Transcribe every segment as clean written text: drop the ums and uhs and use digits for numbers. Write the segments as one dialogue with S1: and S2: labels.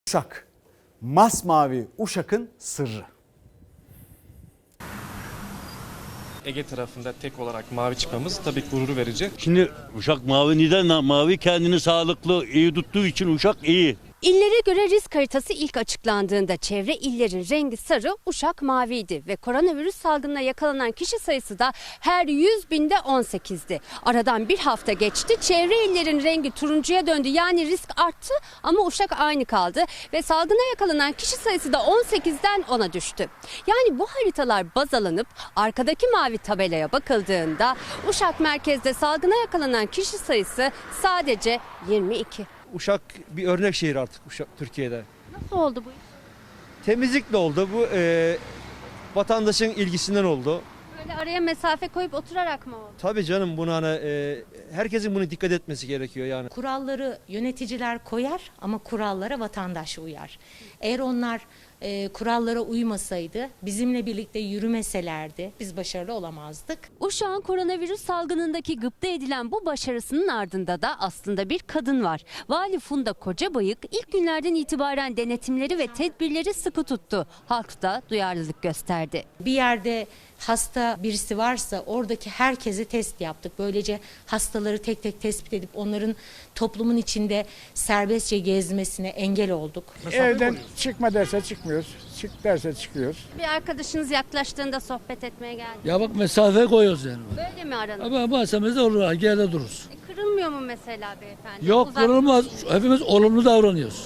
S1: Uşak, masmavi Uşak'ın sırrı.
S2: Ege tarafında tek olarak mavi çıkmamız tabii gurur verici.
S3: Şimdi Uşak mavi neden mavi? Kendini sağlıklı, iyi tuttuğu için Uşak iyi.
S4: İllere göre risk haritası ilk açıklandığında çevre illerin rengi sarı, Uşak maviydi ve koronavirüs salgınına yakalanan kişi sayısı da her 100 binde 18'di. Aradan bir hafta geçti, çevre illerin rengi turuncuya döndü, yani risk arttı ama Uşak aynı kaldı ve salgına yakalanan kişi sayısı da 18'den 10'a düştü. Yani bu haritalar baz alınıp arkadaki mavi tabelaya bakıldığında Uşak merkezde salgına yakalanan kişi sayısı sadece 22.
S5: Uşak bir örnek şehir artık Türkiye'de.
S4: Nasıl oldu bu iş?
S5: Temizlikle oldu. Bu vatandaşın ilgisinden oldu.
S4: Böyle araya mesafe koyup oturarak mı oldu?
S5: Tabii canım bunu herkesin bunu dikkat etmesi gerekiyor yani.
S6: Kuralları yöneticiler koyar ama kurallara vatandaş uyar. Eğer onlar kurallara uymasaydı, bizimle birlikte yürümeselerdi biz başarılı olamazdık.
S4: Uşak'ın koronavirüs salgınındaki gıpta edilen bu başarısının ardında da aslında bir kadın var. Vali Funda Kocabayık ilk günlerden itibaren denetimleri ve tedbirleri sıkı tuttu. Halk da duyarlılık gösterdi.
S6: Bir yerde hasta birisi varsa oradaki herkese test yaptık. Böylece hastaları tek tek tespit edip onların toplumun içinde serbestçe gezmesine engel olduk.
S7: Evden çıkma derse çıkmıyoruz. Çık derse çıkıyoruz.
S4: Bir arkadaşınız yaklaştığında sohbet etmeye geldi.
S8: Ya bak mesafe koyuyoruz yani.
S4: Böyle mi aranız?
S8: Ama mesafe olur, geride dururuz.
S4: Kırılmıyor mu mesela beyefendi?
S8: Yok kırılmaz. Hepimiz olumlu davranıyoruz.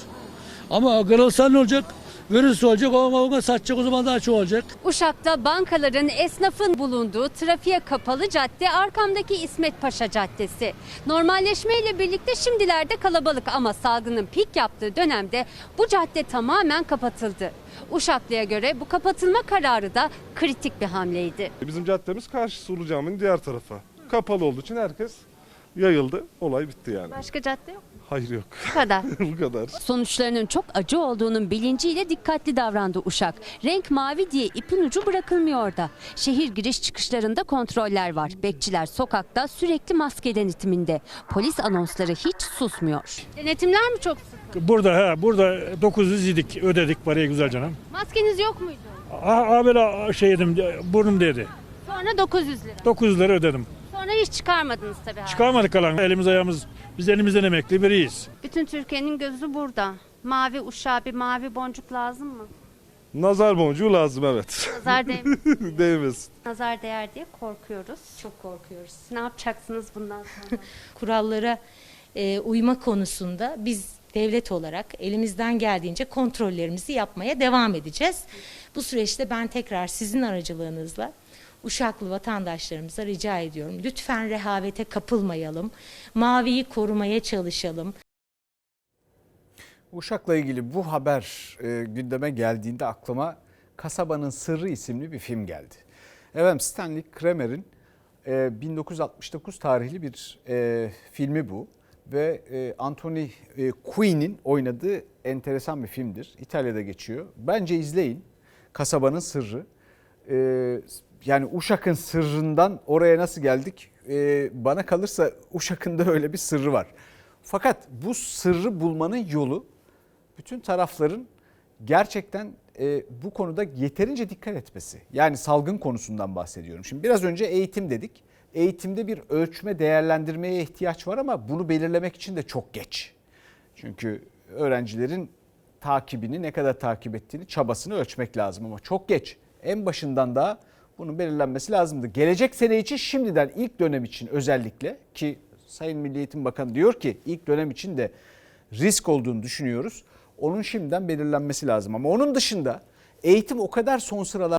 S8: Ama kırılsa ne olacak? Virüs olacak, ona satacak, o zaman daha çok olacak.
S4: Uşak'ta bankaların, esnafın bulunduğu trafiğe kapalı cadde arkamdaki İsmet Paşa Caddesi. Normalleşmeyle birlikte şimdilerde kalabalık ama salgının pik yaptığı dönemde bu cadde tamamen kapatıldı. Uşaklı'ya göre bu kapatılma kararı da kritik bir hamleydi.
S9: Bizim caddemiz karşı Sulu Cami'nin diğer tarafı. Kapalı olduğu için herkes yayıldı. Olay bitti yani.
S4: Başka cadde yok mu?
S9: Hayır yok.
S4: Bu kadar.
S9: Bu kadar.
S4: Sonuçlarının çok acı olduğunun bilinciyle dikkatli davrandı Uşak. Renk mavi diye ipin ucu bırakılmıyor da. Şehir giriş çıkışlarında kontroller var. Bekçiler sokakta sürekli maske denetiminde. Polis anonsları hiç susmuyor. Denetimler mi çok sık?
S7: Burada 900 yedik, ödedik parayı güzel canım.
S4: Maskeniz yok muydu?
S7: Böyle şey yedim, burnum değdi.
S4: Sonra 900 lira.
S7: 900 lira ödedim.
S4: Sonra hiç çıkarmadınız tabii.
S7: Çıkarmadık kalan. Elimiz ayağımız, biz elimizden emekli biriyiz.
S4: Bütün Türkiye'nin gözü burada. Mavi Uşak'a bir mavi boncuk lazım mı?
S9: Nazar boncuğu lazım, evet.
S4: Nazar değmesin.
S9: Değmesin.
S4: Nazar değer diye korkuyoruz.
S6: Çok korkuyoruz.
S4: Ne yapacaksınız bundan sonra?
S6: Kurallara uyma konusunda biz devlet olarak elimizden geldiğince kontrollerimizi yapmaya devam edeceğiz. Bu süreçte ben tekrar sizin aracılığınızla Uşaklı vatandaşlarımıza rica ediyorum. Lütfen rehavete kapılmayalım. Maviyi korumaya çalışalım.
S1: Uşak'la ilgili bu haber gündeme geldiğinde aklıma Kasabanın Sırrı isimli bir film geldi. Evet, Stanley Kramer'in 1969 tarihli bir filmi bu. Ve Anthony Quinn'in oynadığı enteresan bir filmdir. İtalya'da geçiyor. Bence izleyin. Kasabanın Sırrı. Yani Uşak'ın sırrından oraya nasıl geldik? Bana kalırsa Uşak'ın da öyle bir sırrı var. Fakat bu sırrı bulmanın yolu bütün tarafların gerçekten bu konuda yeterince dikkat etmesi. Yani salgın konusundan bahsediyorum. Şimdi biraz önce eğitim dedik. Eğitimde bir ölçme, değerlendirmeye ihtiyaç var ama bunu belirlemek için de çok geç. Çünkü öğrencilerin takibini, ne kadar takip ettiğini, çabasını ölçmek lazım ama çok geç. En başından da bunun belirlenmesi lazımdı. Gelecek sene için şimdiden ilk dönem için özellikle, ki Sayın Milli Eğitim Bakanı diyor ki ilk dönem için de risk olduğunu düşünüyoruz. Onun şimdiden belirlenmesi lazım ama onun dışında eğitim o kadar son sıralar